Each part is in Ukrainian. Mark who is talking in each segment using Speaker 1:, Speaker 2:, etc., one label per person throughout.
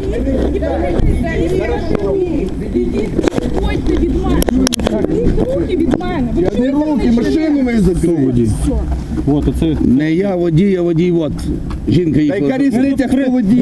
Speaker 1: Ходьте від мене. Руки від мене.
Speaker 2: Я не руки, машину ми закрили.
Speaker 3: От, оце...
Speaker 4: Не я водій, а водій, от. Жінка
Speaker 2: Та
Speaker 4: їхала.
Speaker 2: яка різниця, хто водій?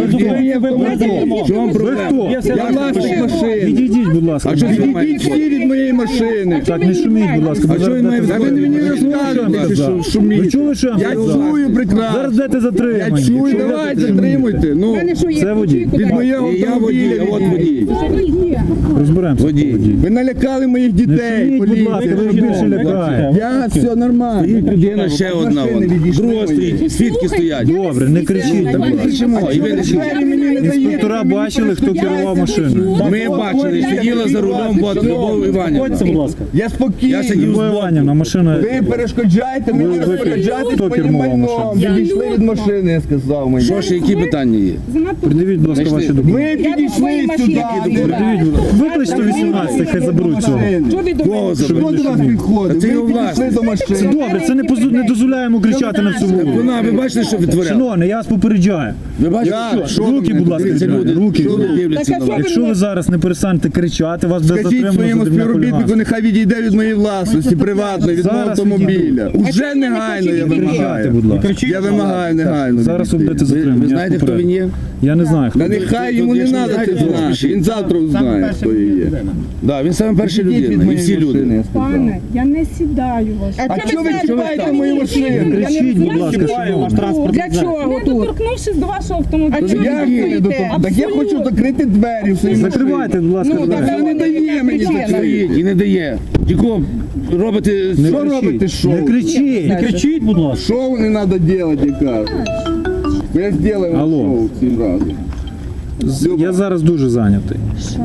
Speaker 4: В чому проблема?
Speaker 2: Я власник машини.
Speaker 5: Відійдіть, будь ласка.
Speaker 4: А що ви
Speaker 2: Відійдіть
Speaker 4: маєте?
Speaker 2: всі від моєї машини.
Speaker 5: Так, не шуміть, будь ласка.
Speaker 4: А що він має
Speaker 2: Та ви мені не розказуєте, що шуміть.
Speaker 5: Ви чули, що я
Speaker 2: Я
Speaker 5: вам сказав?
Speaker 2: чую
Speaker 5: Зараз
Speaker 2: прекрасно.
Speaker 5: будете
Speaker 2: Я
Speaker 5: затримані.
Speaker 2: чую,
Speaker 5: Якщо
Speaker 2: давайте
Speaker 5: будете
Speaker 2: затримуйте. Ну,
Speaker 5: Це водій.
Speaker 2: від моєго
Speaker 4: І я водій,
Speaker 2: автомобіля.
Speaker 4: а от водій.
Speaker 5: Розберемося.
Speaker 4: Водій.
Speaker 2: Ви налякали моїх
Speaker 5: Не
Speaker 2: дітей,
Speaker 5: шуміть, будь ласка, ви
Speaker 2: поліція.
Speaker 5: більше лякаєте.
Speaker 2: Я, все нормально.
Speaker 4: Людина ще одна.
Speaker 2: Машини
Speaker 4: вон.
Speaker 2: відійшли
Speaker 4: Друга
Speaker 2: мої.
Speaker 4: стоїть, свідки стоять.
Speaker 5: Добре, не кричіть.
Speaker 4: Та ми кричимо, і ви не кричите.
Speaker 2: Двері мені не даєте.
Speaker 5: Інспектора бачили, хто керував машиною.
Speaker 4: Ми бачили, сиділа за рулем, от Любов Іванівна.
Speaker 3: Будь ласка.
Speaker 2: Я спокійний.
Speaker 4: Я сидів
Speaker 5: Любов Іванівна, машина...
Speaker 2: Ви перешкоджаєте мені
Speaker 5: Ви-
Speaker 2: розпоряджатись
Speaker 5: хто
Speaker 2: моїм
Speaker 5: кермував
Speaker 2: майном.
Speaker 5: машиною?
Speaker 2: Відійшли від машини, я сказав мені.
Speaker 4: Що ще, які питання є?
Speaker 5: Придивіть, будь ласка, ваші документи.
Speaker 2: Ми підійшли сюди.
Speaker 5: Придивіть, будь ласка. Виклич 118, хай заберуть цього.
Speaker 4: Кого забрали?
Speaker 2: Хто до вас підходить?
Speaker 4: Це його
Speaker 2: Ви підійшли
Speaker 4: власність.
Speaker 2: до
Speaker 5: Це
Speaker 2: машини.
Speaker 5: добре, це не дозволяємо кричати на всю вулицю.
Speaker 4: Вона, ви бачите, що витворяла?
Speaker 5: Шановний, я вас попереджаю.
Speaker 4: Ви бачите,
Speaker 2: Я? Що
Speaker 5: Руки,
Speaker 2: ви
Speaker 5: будь ласка,
Speaker 4: Дивіться, люди,
Speaker 5: руки.
Speaker 4: люди дивляться на вас.
Speaker 5: Якщо ви зараз не перестанете кричати, вас буде
Speaker 2: Скажіть
Speaker 5: затримано
Speaker 2: своєму
Speaker 5: за дрібне
Speaker 2: співробітнику,
Speaker 5: хуліганство.
Speaker 2: нехай відійде від моєї власності, приватної, від мого
Speaker 5: Зараз
Speaker 2: автомобіля. Уже негайно я
Speaker 5: Не кричати,
Speaker 2: вимагаю.
Speaker 5: будь ласка.
Speaker 2: Я вимагаю негайно.
Speaker 5: Зараз ви
Speaker 2: відійти.
Speaker 5: будете затримані.
Speaker 4: Ви
Speaker 5: я
Speaker 4: знаєте, хто
Speaker 5: попереджу.
Speaker 4: він є?
Speaker 5: Я не знаю, хто.
Speaker 2: Та нехай йому не треба це знати. Він завтра узнає, хто я є.
Speaker 4: Да, він саме перша
Speaker 2: Відійдіть від
Speaker 4: людина, і
Speaker 2: моєї
Speaker 4: всі люди.
Speaker 2: машини, я сказав.
Speaker 1: Пане, я не сідаю вас.
Speaker 2: А чого ви чіпаєте мою машину?
Speaker 5: Кричіть, будь ласка, шановний.
Speaker 6: Для чого
Speaker 1: Не
Speaker 6: тут?
Speaker 1: доторкнувшись до вашого автомобіля.
Speaker 6: А чого
Speaker 2: Як
Speaker 6: ви
Speaker 2: ви не до того? Так я хочу закрити двері в своїй машині.
Speaker 5: Закривайте, будь ласка,
Speaker 6: Ну,
Speaker 5: двері.
Speaker 6: так,
Speaker 2: Та не дає мені
Speaker 6: Причина.
Speaker 2: закрити.
Speaker 4: І не дає. Тільки робите...
Speaker 5: Не
Speaker 2: Що
Speaker 5: кричіть.
Speaker 2: робите, що?
Speaker 5: Не кричіть.
Speaker 3: Не кричіть, будь ласка.
Speaker 2: Шоу не треба робити, я кажу. Ми зробимо
Speaker 5: Алло.
Speaker 2: шоу цим разом.
Speaker 5: Я зараз дуже зайнятий.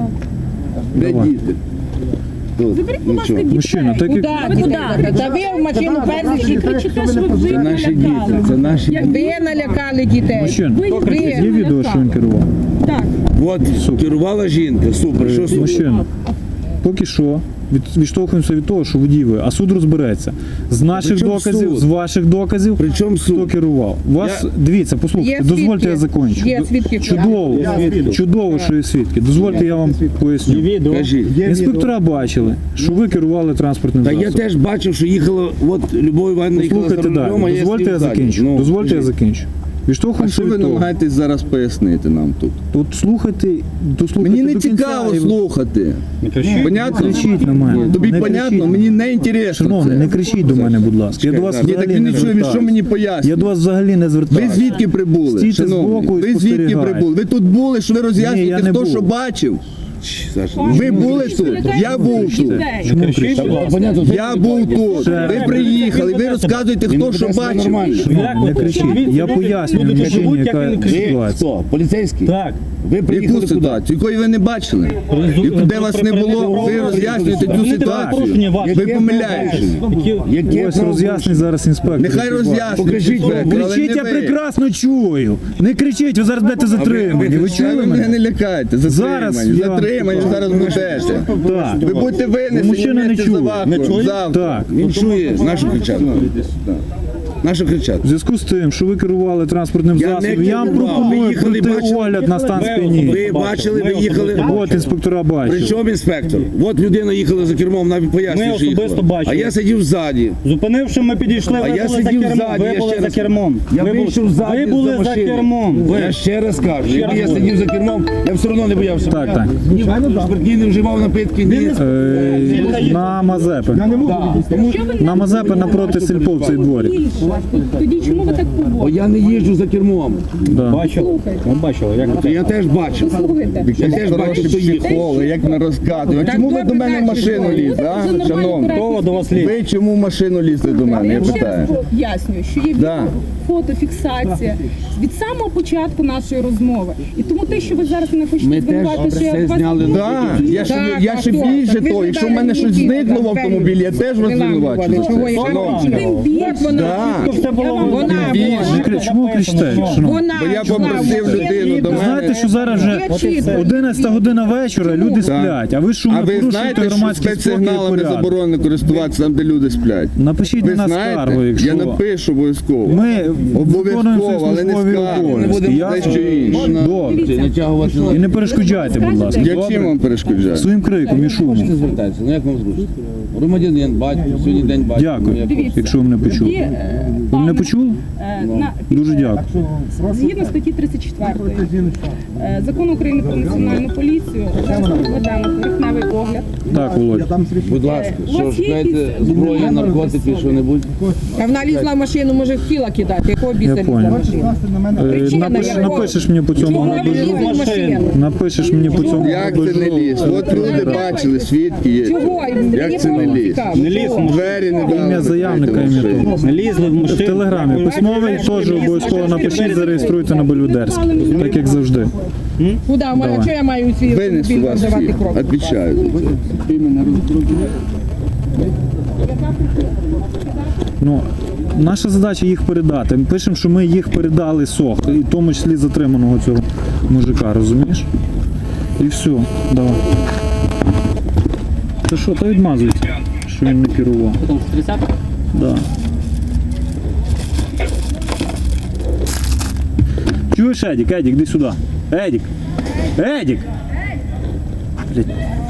Speaker 2: Де діти?
Speaker 1: Заберіть, будь ласка, дітей.
Speaker 5: Мужчина, так як...
Speaker 6: Куди? Та ви в машину перші
Speaker 1: Ви кричите, що ви
Speaker 4: Це наші діти, це наші діти.
Speaker 6: ви налякали дітей.
Speaker 5: Мужчина,
Speaker 1: Ви
Speaker 5: є відео, що він керував?
Speaker 1: Так.
Speaker 4: От, керувала жінка, супер, що супер?
Speaker 5: Мужчина, поки що відштовхуємося від того, що водій ви, а суд розбереться. З наших
Speaker 4: Причому
Speaker 5: доказів,
Speaker 4: суд?
Speaker 5: з ваших доказів,
Speaker 4: Причому
Speaker 5: хто
Speaker 4: суд?
Speaker 5: керував. Вас, дивіться, послухайте,
Speaker 6: Є
Speaker 5: дозвольте
Speaker 6: свідки.
Speaker 5: я закінчу.
Speaker 6: Є свідки.
Speaker 5: Чудово, що є свідки. Дозвольте я вам поясню.
Speaker 3: Відео.
Speaker 4: Кажіть.
Speaker 5: Інспектора бачили, що ви керували транспортним
Speaker 4: Та я
Speaker 5: засобом.
Speaker 4: теж бачив, що їхала, от Любов Іванівна їхала за
Speaker 5: Послухайте
Speaker 4: рулем, а
Speaker 5: далі.
Speaker 4: я
Speaker 5: Дозвольте
Speaker 4: сидів
Speaker 5: я
Speaker 4: ззаді.
Speaker 5: закінчу.
Speaker 4: Ну,
Speaker 5: Дозвольте я
Speaker 4: кажіть.
Speaker 5: закінчу.
Speaker 2: А
Speaker 5: Відштовхуємося
Speaker 2: що ви
Speaker 5: від того.
Speaker 2: намагаєтесь зараз пояснити нам тут?
Speaker 5: От слухайте, дослухайте
Speaker 2: Мені не
Speaker 5: до кінця
Speaker 2: цікаво
Speaker 5: і
Speaker 2: слухати.
Speaker 3: Не кричіть.
Speaker 2: Понятно?
Speaker 5: кричіть на мене.
Speaker 2: Тобі
Speaker 5: Не
Speaker 2: понятно?
Speaker 5: кричіть.
Speaker 2: Мені не інтересно
Speaker 5: Шановний, не
Speaker 2: це.
Speaker 5: кричіть до мене, будь ласка. Я до вас
Speaker 2: Ні, так
Speaker 5: взагалі
Speaker 2: він
Speaker 5: не
Speaker 2: не чує, він що
Speaker 5: звертаюся.
Speaker 2: мені
Speaker 5: Я
Speaker 2: пояснює?
Speaker 5: до вас взагалі не
Speaker 2: Ви
Speaker 5: звертаюся.
Speaker 2: звідки прибули,
Speaker 5: Стійте
Speaker 2: шановний?
Speaker 5: збоку і
Speaker 2: Ви звідки
Speaker 5: спостерігайте.
Speaker 2: прибули? Ви тут були, що ви
Speaker 5: Ні, я
Speaker 2: роз'яснюєте,
Speaker 5: не
Speaker 2: хто
Speaker 5: був.
Speaker 2: що бачив?
Speaker 4: Саша,
Speaker 2: Ви були тут? Я був тут.
Speaker 5: Чому кричите?
Speaker 4: понятно,
Speaker 2: Я був тут. Ви приїхали, ви розказуєте, хто що бачив.
Speaker 5: Не кричіть. Я пояснюю
Speaker 3: Люди
Speaker 5: мужчині,
Speaker 3: живуть,
Speaker 5: яка
Speaker 3: як він
Speaker 4: ви
Speaker 5: ситуація.
Speaker 4: хто? Поліцейський?
Speaker 3: Так.
Speaker 4: Ви
Speaker 2: Яку
Speaker 4: приїхали куди?
Speaker 2: ситуацію? Якої ви не бачили? І де вас не було, ви роз'яснюєте цю ситуацію. Ви помиляєтесь.
Speaker 4: Яке
Speaker 5: Ось роз'яснить зараз інспектор.
Speaker 2: Нехай роз'яснюють.
Speaker 4: Покажіть,
Speaker 2: але не
Speaker 5: Кричіть, я
Speaker 2: ви.
Speaker 5: прекрасно чую. Не кричіть, ви зараз будете затримані. Ви
Speaker 2: Та
Speaker 5: чули
Speaker 2: ви мене
Speaker 5: мене?
Speaker 2: не лякайте.
Speaker 5: Зараз
Speaker 2: Затримані,
Speaker 5: я-
Speaker 2: затримані, зараз будете.
Speaker 5: Так.
Speaker 2: Ви будете винесені
Speaker 5: Мужчина не
Speaker 2: вместе
Speaker 5: чує.
Speaker 2: за вахтою завтра.
Speaker 5: Так.
Speaker 4: Він чує, нашу кричати. Нашу кричати.
Speaker 5: В зв'язку з тим, що ви керували транспортним
Speaker 4: Я не
Speaker 5: засобом, я вам
Speaker 4: керував. Ви
Speaker 5: пропоную
Speaker 4: їхали,
Speaker 5: пройти
Speaker 4: бачили?
Speaker 5: огляд на стан сп'яніння.
Speaker 4: Ви бачили, ви їхали.
Speaker 5: От інспектора бачив.
Speaker 4: Причому інспектор? От людина їхала за кермом, навіть пояснює,
Speaker 3: Ми
Speaker 4: що
Speaker 3: особисто
Speaker 4: їхала.
Speaker 3: бачили.
Speaker 4: А я сидів ззаді.
Speaker 3: Зупинивши, ми підійшли,
Speaker 4: А
Speaker 3: ви
Speaker 4: я
Speaker 3: були за
Speaker 4: сидів
Speaker 3: кермом.
Speaker 4: ззаді,
Speaker 3: Ви
Speaker 4: я
Speaker 3: були
Speaker 4: ще
Speaker 3: за
Speaker 4: раз-
Speaker 3: кермом.
Speaker 4: Я
Speaker 3: Ви
Speaker 4: вийшов ззаді
Speaker 3: Ви були
Speaker 4: за
Speaker 3: за
Speaker 4: машини.
Speaker 3: кермом.
Speaker 4: Я ще раз кажу, якби я
Speaker 3: раз
Speaker 4: сидів за кермом, я все одно не боявся.
Speaker 5: Так, так.
Speaker 4: Ні, спиртні не вживав напитки, ні.
Speaker 5: На Мазепи. На Мазепи напроти сільпо в цей дворі.
Speaker 1: Тоді чому ви так
Speaker 4: Бо
Speaker 1: поводите?
Speaker 4: я не їжджу за кермом.
Speaker 5: Да.
Speaker 3: Бачили? Ми бачили, як
Speaker 4: То я теж бачив.
Speaker 1: Слухайте.
Speaker 4: Я теж бачив, хто їхав.
Speaker 2: Психологи, як не розказує. А чому ви до мене в машину лізли, а, шановні?
Speaker 3: Хто до вас лізе?
Speaker 2: Ви чому в машину лізли до мене, я
Speaker 1: Я ще
Speaker 2: питаю?
Speaker 1: раз пояснюю, що є
Speaker 2: Да.
Speaker 1: фотофіксація від самого початку нашої розмови. І тому те, що ви зараз не хочете
Speaker 4: Ми теж
Speaker 1: звинуватити, що
Speaker 4: все
Speaker 1: я вас...
Speaker 4: зняли.
Speaker 2: Так, я ще
Speaker 6: Так, а
Speaker 2: більше
Speaker 6: хто?
Speaker 2: того, якщо в мене щось зникло в автомобілі, я теж вас звинувачу за це. Шановні.
Speaker 1: Тим більше,
Speaker 2: Да.
Speaker 3: Все було
Speaker 6: Вона,
Speaker 5: Чому ви кричите? Шановні?
Speaker 6: вона,
Speaker 2: Бо я попросив людину до
Speaker 5: Ви знаєте,
Speaker 2: мене.
Speaker 5: що зараз вже
Speaker 6: Є чітко.
Speaker 5: 11 година вечора, люди сплять, а ви
Speaker 2: А
Speaker 5: шумно
Speaker 2: ви
Speaker 5: порушуєте
Speaker 2: знаєте, що
Speaker 5: громадський спокій і
Speaker 2: спецсигналами
Speaker 5: порядок.
Speaker 2: заборонено користуватися там, де люди сплять?
Speaker 5: Напишіть
Speaker 2: Ви
Speaker 5: на нас
Speaker 2: знаєте?
Speaker 5: скаргу, якщо
Speaker 2: Я напишу обов'язково.
Speaker 5: ми виконуємо
Speaker 2: Обов'язково,
Speaker 5: свої
Speaker 2: але не
Speaker 5: службові
Speaker 2: скарги. Не
Speaker 5: обов'язки.
Speaker 2: будемо дещо інше.
Speaker 5: Добре. І не перешкоджайте, будь ласка.
Speaker 2: Я чим
Speaker 5: Добре?
Speaker 2: вам перешкоджаю?
Speaker 5: Своїм криком і шумом.
Speaker 7: Звертайтеся, ну як вам зручно? Громадянин, батько, сьогодні день батька.
Speaker 5: Дякую,
Speaker 1: Дивіться.
Speaker 5: якщо ви мене
Speaker 1: Тоді,
Speaker 5: почули. Ви мене почули? Дуже дякую.
Speaker 1: Згідно статті 34 Закону України про національну поліцію, зараз ми ведемо поверхневий огляд.
Speaker 5: Так, Володя.
Speaker 7: Будь ласка,
Speaker 1: У
Speaker 7: що
Speaker 1: вас є
Speaker 7: шукаєте
Speaker 1: якісь
Speaker 7: зброю,
Speaker 1: документи?
Speaker 7: наркотики, що-небудь?
Speaker 6: А вона лізла в машину, може хотіла кидати, якого біса лізла в
Speaker 5: понял.
Speaker 6: машину? Причина якого?
Speaker 5: Напишеш мені по цьому
Speaker 6: Чого ви
Speaker 5: набежу.
Speaker 6: лізли в машину?
Speaker 5: Напишеш мені по цьому
Speaker 2: Як це не
Speaker 5: набежу.
Speaker 2: ліс? От люди бачили, свідки є.
Speaker 6: Чого?
Speaker 2: Як це не ліс?
Speaker 3: Не ліз в машину.
Speaker 2: Двері не дали.
Speaker 5: Ім'я заявника, ім'я того.
Speaker 3: Не лізли в
Speaker 5: В
Speaker 3: машину.
Speaker 5: телеграмі письмовий теж обов'язково напишіть, зареєструйте на Бельведерській, так як завжди.
Speaker 6: Куди? У мене що я маю свій
Speaker 2: Винесу
Speaker 6: автомобіль
Speaker 2: вас
Speaker 6: продавати
Speaker 2: всіх,
Speaker 6: кров?
Speaker 2: обіцяю.
Speaker 5: Ну, наша задача їх передати. Ми пишемо, що ми їх передали СОХ, і в тому числі затриманого цього мужика, розумієш? І все, давай. Та що, та відмазуйся, що він не керував. Да. Чуєш, Едік, іди сюди. Едік! Едік! Блядь.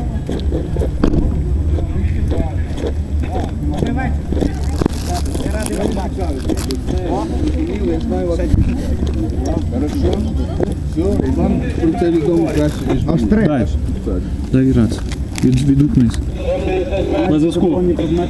Speaker 2: Вам про це відомо краще, ніж мені.
Speaker 5: Дай. Дай грати. Відгукнись.
Speaker 3: На зв'язку.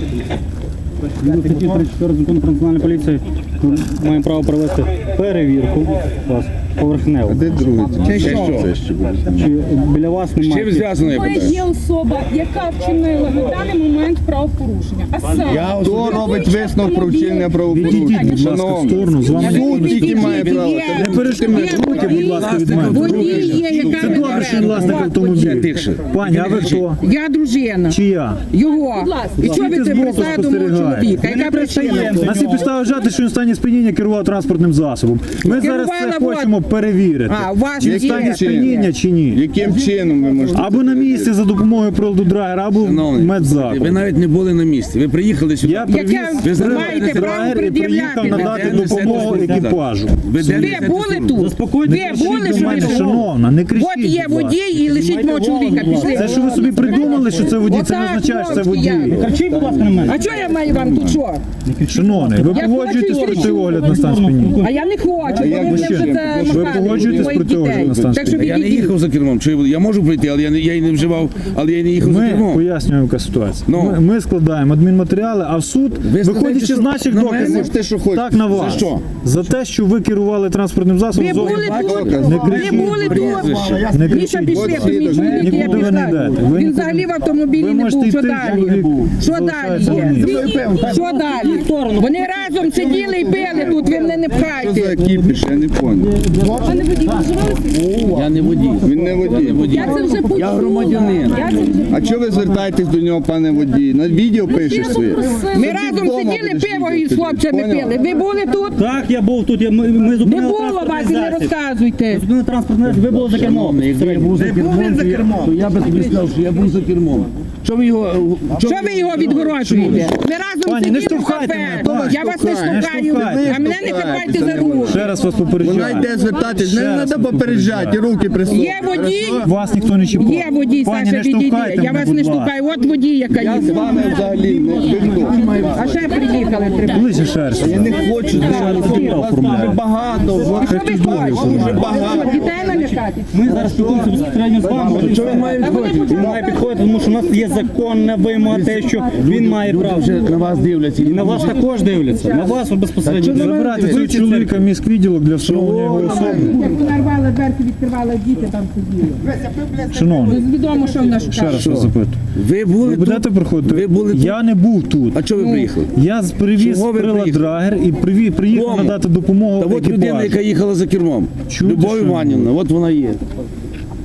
Speaker 3: Згідно статті 34 Закону про національну поліцію ми маємо право провести перевірку вас поверхнево.
Speaker 2: Де другий?
Speaker 7: Це що?
Speaker 2: Це ще буде.
Speaker 3: Чи біля вас
Speaker 7: З чим
Speaker 3: немає?
Speaker 7: зв'язано, я
Speaker 1: Ви
Speaker 7: питаю?
Speaker 1: є особа, яка вчинила на даний момент правопорушення. А саме,
Speaker 2: Хто робить висновок про вчинення
Speaker 5: Відійдіть,
Speaker 2: правопорушення?
Speaker 5: будь ласка, в сторону, з вами ніхто
Speaker 2: Суд
Speaker 5: не
Speaker 2: тільки має
Speaker 5: спілкується.
Speaker 2: право.
Speaker 6: Є.
Speaker 2: Та
Speaker 5: Не перешкодуйте руки, будь ласка, від мене.
Speaker 6: Водій є, яка
Speaker 5: Це добре, що він власник автомобіля.
Speaker 7: Тихше.
Speaker 5: Пані, а ви хто?
Speaker 6: Я дружина.
Speaker 5: Чия?
Speaker 6: Його.
Speaker 1: Будь ласка.
Speaker 6: І що ви
Speaker 5: Ти
Speaker 6: це
Speaker 5: збоку
Speaker 6: присаду мого
Speaker 5: спостерігаєш.
Speaker 6: чоловіка? Яка причина?
Speaker 5: На цій підставі вважати, що він в стані сп'яніння керував транспортним засобом. Ми зараз це
Speaker 6: Керувала
Speaker 5: хочемо перевірити.
Speaker 6: А, ваш
Speaker 5: Чи в
Speaker 6: є.
Speaker 5: стані сп'яніння, чи ні.
Speaker 2: Яким чином ви можете?
Speaker 5: Або на місці за допомогою приладу драгера, або в
Speaker 7: Шановний, ви
Speaker 5: медзакладі.
Speaker 7: навіть не були на місці. Ви приїхали сюди.
Speaker 5: Я привіз
Speaker 6: Яке ви маєте право
Speaker 5: драгер і приїхав
Speaker 6: пред'являти?
Speaker 5: надати
Speaker 7: мене?
Speaker 5: допомогу екіпажу.
Speaker 7: Ви де
Speaker 6: Ви
Speaker 7: несете
Speaker 6: були
Speaker 7: службу?
Speaker 6: тут?
Speaker 3: Заспокойтесь.
Speaker 6: Ви були,
Speaker 5: Кричіть
Speaker 6: що
Speaker 5: до
Speaker 6: ви
Speaker 5: мене,
Speaker 6: що?
Speaker 5: шановна, не кричіть.
Speaker 6: От є
Speaker 5: будь ласка.
Speaker 6: водій і лишіть мого чоловіка. Пішли.
Speaker 5: Це що ви собі придумали, що це водій, це не
Speaker 6: Отак,
Speaker 5: означає, що це
Speaker 6: хлопці,
Speaker 5: водій.
Speaker 6: я.
Speaker 3: Кричіть, будь ласка, на мене.
Speaker 6: А що я маю вам тут що?
Speaker 5: Шановний, ви
Speaker 6: Я
Speaker 5: погоджуєтесь
Speaker 6: хочу
Speaker 5: проти
Speaker 6: і
Speaker 5: огляд на стан сп'яніння?
Speaker 6: А я не хочу,
Speaker 2: як
Speaker 6: бо
Speaker 2: ви
Speaker 6: ви
Speaker 2: ще?
Speaker 6: вже це
Speaker 5: Ви
Speaker 6: махали
Speaker 5: погоджуєтесь
Speaker 6: моїх
Speaker 5: проти огляду
Speaker 6: дітей.
Speaker 5: на стан
Speaker 6: Так що
Speaker 7: Я не
Speaker 6: відійдіть.
Speaker 7: їхав за кермом. Чи я можу прийти, але я і не вживав, але я не їхав за
Speaker 5: Ми
Speaker 7: кермом.
Speaker 5: пояснюємо, яка ситуація.
Speaker 7: Ну.
Speaker 5: Ми складаємо адмінматеріали, а в суд,
Speaker 7: Ви складаєте,
Speaker 5: виходячи
Speaker 7: що
Speaker 5: з наших
Speaker 7: на мене?
Speaker 5: доказів,
Speaker 2: Можете, що хочете.
Speaker 5: так на вас.
Speaker 7: За що?
Speaker 5: За те, що ви керували транспортним засобом.
Speaker 6: Ви
Speaker 5: з
Speaker 6: були
Speaker 5: огляду-
Speaker 6: тут?
Speaker 2: Доказ.
Speaker 5: Не
Speaker 6: Ви
Speaker 5: кричіть.
Speaker 6: були тут?
Speaker 5: Не
Speaker 6: Міша,
Speaker 5: кричіть.
Speaker 6: пішли,
Speaker 2: От
Speaker 6: по мій
Speaker 2: свідок.
Speaker 6: чоловік, я
Speaker 5: Нікуди ви не
Speaker 6: пішла.
Speaker 5: йдете. Ви
Speaker 6: Він
Speaker 5: нікуди-
Speaker 6: взагалі в автомобілі
Speaker 5: Ви
Speaker 6: не
Speaker 5: можете
Speaker 6: був. Що
Speaker 5: йти,
Speaker 6: далі?
Speaker 5: чоловік був.
Speaker 6: Що
Speaker 5: Залишається
Speaker 6: далі?
Speaker 5: на місці.
Speaker 6: Що далі? Вони разом сиділи і пили тут, ви мене не
Speaker 2: Що за
Speaker 6: пхайте.
Speaker 2: екіпіш, я не понял.
Speaker 1: пане водій, ви вживалися?
Speaker 7: Я не водій.
Speaker 2: Він не водій.
Speaker 1: Я це вже почула.
Speaker 7: Я громадянин.
Speaker 1: Я це вже
Speaker 2: А чого ви звертаєтесь до нього, пане водій? На відео пишеш своє.
Speaker 6: Ми разом сиділи, пиво із хлопцями пили. Ви були тут?
Speaker 3: Так, я був тут, ми
Speaker 6: Не
Speaker 3: зупинили
Speaker 6: було вас, і не
Speaker 3: засіб.
Speaker 6: розказуйте.
Speaker 3: Зупинили транспортний засіб, ви були за кермом.
Speaker 7: Шановний, якби я був за кермом, то я би тобі сказав, що я був за кермом. Що ви його...
Speaker 6: Що ви його відгороджуєте? Ми разом
Speaker 5: Пані, не
Speaker 6: сиділи в
Speaker 5: штовхайте
Speaker 6: кафе.
Speaker 5: мене,
Speaker 6: Я вас не
Speaker 2: штовхайте,
Speaker 6: штовхаю,
Speaker 5: штовхайте.
Speaker 6: а мене не хапайте за руку.
Speaker 5: Ще раз вас
Speaker 2: Вона
Speaker 5: попереджаю.
Speaker 2: йде звертатись, не
Speaker 5: Ще раз
Speaker 2: треба
Speaker 5: вас
Speaker 2: попереджати, руки присунути.
Speaker 6: Є водій,
Speaker 5: Вас ніхто не чіпав.
Speaker 6: є водій,
Speaker 5: Пані,
Speaker 6: Саша,
Speaker 5: не
Speaker 6: відійди.
Speaker 5: штовхайте
Speaker 6: Я
Speaker 5: мене,
Speaker 6: вас не
Speaker 5: будь ласка.
Speaker 6: штовхаю. От водій, яка
Speaker 2: Я з
Speaker 6: їде.
Speaker 2: вами взагалі не спілкуюся.
Speaker 6: А ще приїхали три.
Speaker 5: Ближче шерсть.
Speaker 2: Я не хочу зараз. Вас дуже багато. Вас дуже багато.
Speaker 6: Дітей налякати.
Speaker 3: Ми зараз спілкуємося безпосередньо з вами.
Speaker 7: Що він має відходити?
Speaker 3: Він має підходити, тому що у нас є законна вимога, те, що він має право.
Speaker 7: Вже на вас дивляться.
Speaker 3: І на вас також дивляться. На вас безпосередньо.
Speaker 5: Забирати цього чоловіка в міськвідділок для встановлення його особи.
Speaker 6: Як понарвали дверки, відкривали, діти там сиділи.
Speaker 5: Шановний,
Speaker 6: Відомо, що в нас
Speaker 5: ще раз вас запитую.
Speaker 7: Ви були
Speaker 5: Ви будете
Speaker 7: тут?
Speaker 5: приходити?
Speaker 7: Ви були тут?
Speaker 5: Я не був тут.
Speaker 7: А чого ви приїхали?
Speaker 5: Я привіз
Speaker 7: Чого ви
Speaker 5: прилад
Speaker 7: приїхали?
Speaker 5: драгер і приїхав
Speaker 7: Кому?
Speaker 5: надати допомогу
Speaker 7: Та от людина, яка
Speaker 5: екіпажу.
Speaker 7: їхала за кермом.
Speaker 5: Чуєте,
Speaker 7: Любов
Speaker 5: що?
Speaker 7: Іванівна, от вона є.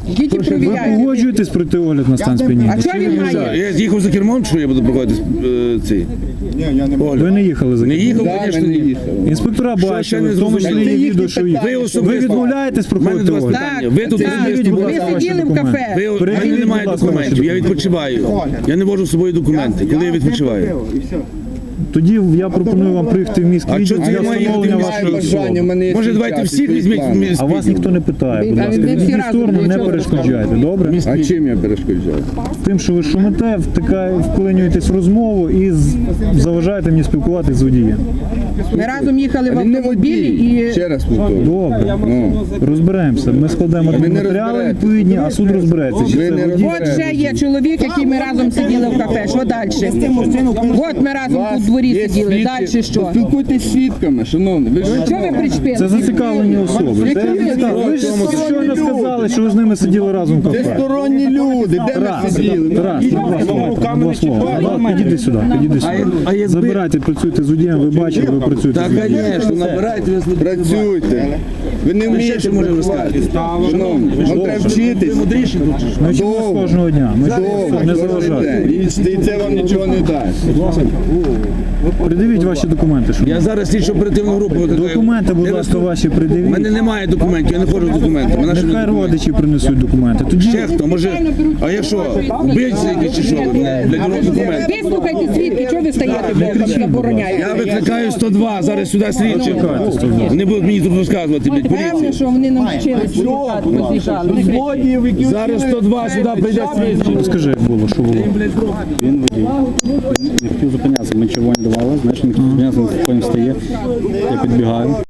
Speaker 6: Ідіть і
Speaker 5: Ви
Speaker 6: провіряйте.
Speaker 5: погоджуєтесь пройти огляд на стан сп'яніння?
Speaker 6: А що він має?
Speaker 4: Я їхав за кермом, що я буду проходити цей
Speaker 5: Ви
Speaker 4: огляд?
Speaker 5: не їхали за
Speaker 4: Не
Speaker 5: кермом?
Speaker 4: їхав,
Speaker 7: Да,
Speaker 4: звісно,
Speaker 7: ми не
Speaker 4: ні.
Speaker 7: їхали.
Speaker 5: Інспектора
Speaker 4: ще
Speaker 5: бачили,
Speaker 4: не
Speaker 5: в тому числі
Speaker 4: зрозуміло?
Speaker 5: є відео, що
Speaker 4: Ви
Speaker 5: ви
Speaker 4: особисто.
Speaker 5: відмовляєтесь
Speaker 4: У мене
Speaker 5: проходити
Speaker 4: до вас
Speaker 5: огляд?
Speaker 4: питання. Ви тут
Speaker 5: Передивіть, будь ласка,
Speaker 6: Ви
Speaker 5: ваші
Speaker 6: сиділи в
Speaker 5: документи.
Speaker 6: кафе.
Speaker 4: Ви, у мене
Speaker 5: Передивіть,
Speaker 4: немає
Speaker 5: будь ласка,
Speaker 4: документів,
Speaker 5: ваші
Speaker 4: я відпочиваю. Я не вожу з собою документи, коли я відпочиваю.
Speaker 5: Тоді я пропоную вам приїхати в міськ
Speaker 4: А
Speaker 5: відділ
Speaker 4: чого це
Speaker 5: для
Speaker 4: я маю
Speaker 5: встановлення
Speaker 4: їхати в
Speaker 5: вашої
Speaker 4: міськ
Speaker 5: особи.
Speaker 7: Бажання, в мене є
Speaker 4: Може,
Speaker 7: свій
Speaker 4: давайте
Speaker 7: час,
Speaker 4: всіх
Speaker 7: свій
Speaker 4: візьміть
Speaker 7: план.
Speaker 4: в мій
Speaker 5: А вас ніхто не питає, будь
Speaker 6: А
Speaker 5: ласка.
Speaker 6: ви всі
Speaker 5: Відійдіть в
Speaker 6: разом
Speaker 5: сторону,
Speaker 6: для
Speaker 5: не
Speaker 6: чого
Speaker 5: перешкоджайте, добре?
Speaker 7: А чим я перешкоджаю?
Speaker 5: Тим, що ви шумите, вклинюєтесь в розмову і заважаєте мені спілкуватися з водієм.
Speaker 6: Ми разом їхали в
Speaker 7: Він не
Speaker 6: автомобілі
Speaker 7: водій.
Speaker 6: і
Speaker 7: Ще раз повторюю.
Speaker 5: Добре,
Speaker 7: Ну,
Speaker 5: розберемося. Ми складемо
Speaker 7: не
Speaker 5: матеріали
Speaker 7: розберетесь.
Speaker 5: відповідні, а суд розбереться. Чи
Speaker 7: Ви
Speaker 5: це
Speaker 7: не
Speaker 5: водій?
Speaker 6: от ще є чоловік, який ми разом сиділи в кафе. Що далі? От ми разом тут в дворі
Speaker 7: є
Speaker 6: сиділи.
Speaker 7: свідки.
Speaker 6: Далі що?
Speaker 7: Поспілкуйтесь з свідками, шановні. Ви ж
Speaker 6: Що ви причепили?
Speaker 5: Це зацікавлені особи.
Speaker 6: Які
Speaker 5: Це
Speaker 6: ви?
Speaker 5: зацікавлені. Ви ж щойно сказали, що ви з ними сиділи разом в
Speaker 7: це
Speaker 5: кафе.
Speaker 7: сторонні люди, де ми
Speaker 5: Тарас,
Speaker 7: сиділи?
Speaker 5: Тарас, на два слова. На два слова. Підійди сюди, підійди сюди. Забирайте, працюйте з водієм, ви бачите, ви працюєте
Speaker 4: Так,
Speaker 5: з водієм.
Speaker 4: звісно, набирайте ви
Speaker 7: Працюйте. Ви не вмієте.
Speaker 4: ще можемо розказати.
Speaker 7: Шановні, вам треба вчитись.
Speaker 4: Мудріші тут чи що?
Speaker 5: Ми вчимось кожного дня, ми не заважаємо.
Speaker 7: І це вам нічого не дасть.
Speaker 5: Придивіть ваші документи, щоб
Speaker 4: Я зараз слідчу оперативну групу викликаю.
Speaker 5: документи, будь ласка, ваші
Speaker 4: У мене
Speaker 5: придивіть.
Speaker 4: немає документів, я не ходжу з документами. Наші
Speaker 5: Нехай
Speaker 4: документи.
Speaker 5: родичі принесуть документи. Тоді
Speaker 4: Ще хто? Може, а якщо вбивці якісь чи що, для нього документи?
Speaker 6: Вислухайте свідки, чого ви стоїте, бо забороняєте?
Speaker 4: Я викликаю 102, зараз сюди слідчі. Вони будуть мені тут розказувати, блядь,
Speaker 6: Певне,
Speaker 4: поліції.
Speaker 6: що вони нам вчились посвідчали.
Speaker 4: Зараз 102 сюди прийде слідчі.
Speaker 5: розкажи, як було, що було.
Speaker 3: Він водій. Не хотів зупинятися. Ми червоні давали, знаєш, він не хотів зупинятися, він потім встає. Я підбігаю.